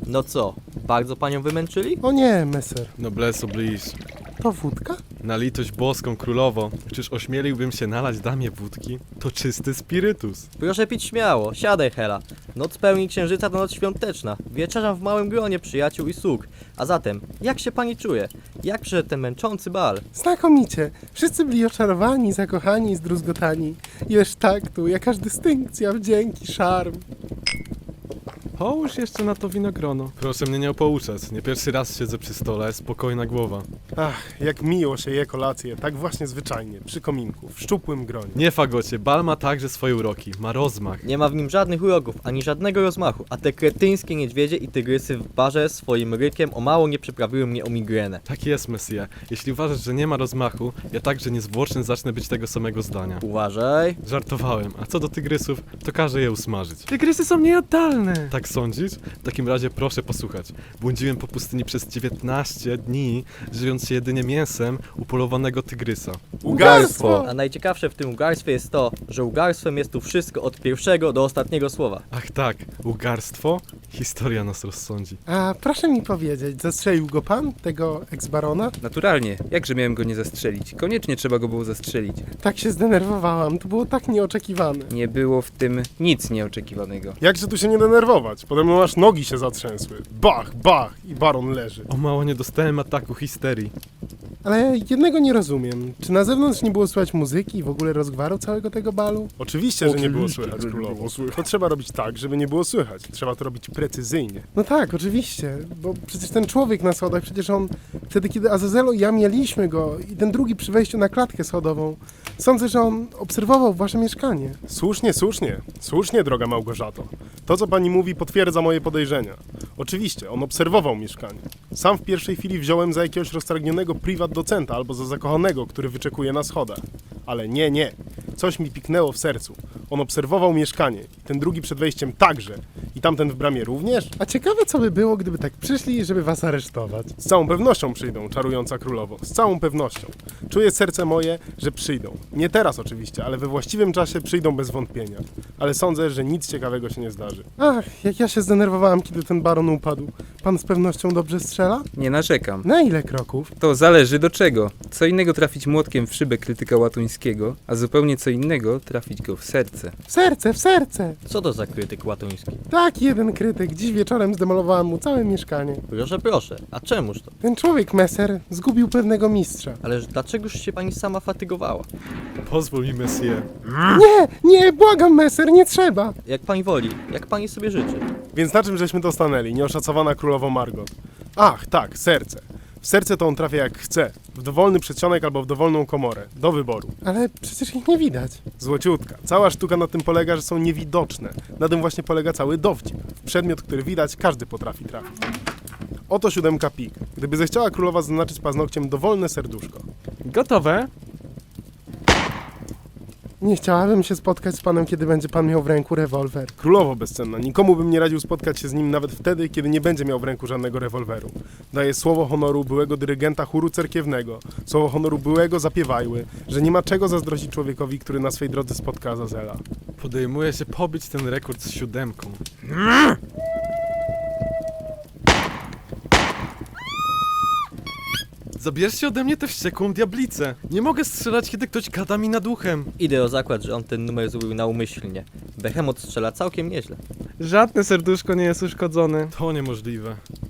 No co, bardzo panią wymęczyli? O nie, meser. Noblesse oblige. To wódka? Na litość boską, królowo, czyż ośmieliłbym się nalać damie wódki? To czysty spirytus. Proszę pić śmiało, siadaj Hela. Noc pełni księżyca to noc świąteczna. Wieczerzam w małym gronie przyjaciół i sług. A zatem, jak się pani czuje? Jak przyszedł ten męczący bal? Znakomicie. Wszyscy byli oczarowani, zakochani i zdruzgotani. Ileż taktu, jakaż dystynkcja, wdzięki, szarm. Połóż jeszcze na to winogrono. Proszę mnie nie opouczać, nie pierwszy raz siedzę przy stole, spokojna głowa. Ach, jak miło się je kolację, tak właśnie zwyczajnie, przy kominku, w szczupłym gronie. Nie fagocie, bal ma także swoje uroki, ma rozmach. Nie ma w nim żadnych urogów, ani żadnego rozmachu, a te kretyńskie niedźwiedzie i tygrysy w barze swoim rykiem o mało nie przyprawiły mnie o migrenę. Tak jest, Messie. Jeśli uważasz, że nie ma rozmachu, ja także niezwłocznie zacznę być tego samego zdania. Uważaj. Żartowałem, a co do tygrysów, to każę je usmażyć. Tygrysy są nieoddalne! Tak sądzisz? W takim razie proszę posłuchać. Błądziłem po pustyni przez 19 dni, żywiąc się jedynie mięsem upolowanego tygrysa. Ugarstwo! A najciekawsze w tym ugarstwie jest to, że ugarstwem jest tu wszystko od pierwszego do ostatniego słowa. Ach tak, ugarstwo? Historia nas rozsądzi. A proszę mi powiedzieć, zastrzelił go pan, tego eks-barona? Naturalnie, jakże miałem go nie zastrzelić? Koniecznie trzeba go było zastrzelić. Tak się zdenerwowałam, to było tak nieoczekiwane. Nie było w tym nic nieoczekiwanego. Jakże tu się nie denerwować? Pode mną aż nogi się zatrzęsły. Bach, bach i baron leży. O mało nie dostałem ataku histerii. Ale jednego nie rozumiem. Czy na zewnątrz nie było słychać muzyki i w ogóle rozgwaru całego tego balu? Oczywiście, że nie było słychać, królowo. To trzeba robić tak, żeby nie było słychać. Trzeba to robić precyzyjnie. No tak, oczywiście, bo przecież ten człowiek na schodach, przecież on wtedy, kiedy Azazelo i ja mieliśmy go i ten drugi przy wejściu na klatkę schodową, sądzę, że on obserwował wasze mieszkanie. Słusznie, słusznie. Słusznie, droga Małgorzato. To, co pani mówi, potwierdza moje podejrzenia. Oczywiście, on obserwował mieszkanie. Sam w pierwszej chwili wziąłem za jakiegoś roztargnionego prywat docenta albo za zakochanego, który wyczekuje na schodach. Ale nie, nie. Coś mi piknęło w sercu. On obserwował mieszkanie. Ten drugi przed wejściem także. I tamten w bramie również? A ciekawe, co by było, gdyby tak przyszli, żeby was aresztować. Z całą pewnością przyjdą, czarująca królowo. Z całą pewnością. Czuję serce moje, że przyjdą. Nie teraz oczywiście, ale we właściwym czasie przyjdą bez wątpienia. Ale sądzę, że nic ciekawego się nie zdarzy. Ach, jak ja się zdenerwowałam, kiedy ten baron upadł. Pan z pewnością dobrze strzela? Nie narzekam. Na ile kroków? To zależy do czego. Co innego trafić młotkiem w szybę krytyka łatuńskiego, a zupełnie co innego trafić go w serce. W serce, w serce! Co to za krytyk łatuński? Tak, jeden krytyk. Dziś wieczorem zdemolowałam mu całe mieszkanie. Proszę, proszę, a czemuż to? Ten człowiek, Messer, zgubił pewnego mistrza. Ależ dlaczegoż się pani sama fatygowała? Pozwól mi, Messie. Nie, nie, błagam, Messer, nie trzeba! Jak pani woli, jak pani sobie życzy. Więc na czym żeśmy to stanęli, nieoszacowana królowo Margot? Ach, tak, serce. W serce to on trafia jak chce. W dowolny przedsionek albo w dowolną komorę. Do wyboru. Ale przecież ich nie widać. Złociutka. Cała sztuka na tym polega, że są niewidoczne. Na tym właśnie polega cały dowcip. W przedmiot, który widać, każdy potrafi trafić. Oto 7 pik. Gdyby zechciała królowa zaznaczyć paznokciem dowolne serduszko. Gotowe? Nie chciałabym się spotkać z panem, kiedy będzie pan miał w ręku rewolwer. Królowo bezcenna, nikomu bym nie radził spotkać się z nim nawet wtedy, kiedy nie będzie miał w ręku żadnego rewolweru. Daję słowo honoru byłego dyrygenta chóru cerkiewnego, słowo honoru byłego zapiewajły, że nie ma czego zazdrościć człowiekowi, który na swej drodze spotka Azazela. Podejmuję się pobić ten rekord z 7. Zabierzcie ode mnie tę wściekłą diablicę. Nie mogę strzelać, kiedy ktoś gada mi nad uchem. Idę o zakład, że on ten numer zrobił naumyślnie. Behemoth strzela całkiem nieźle. Żadne serduszko nie jest uszkodzone. To niemożliwe.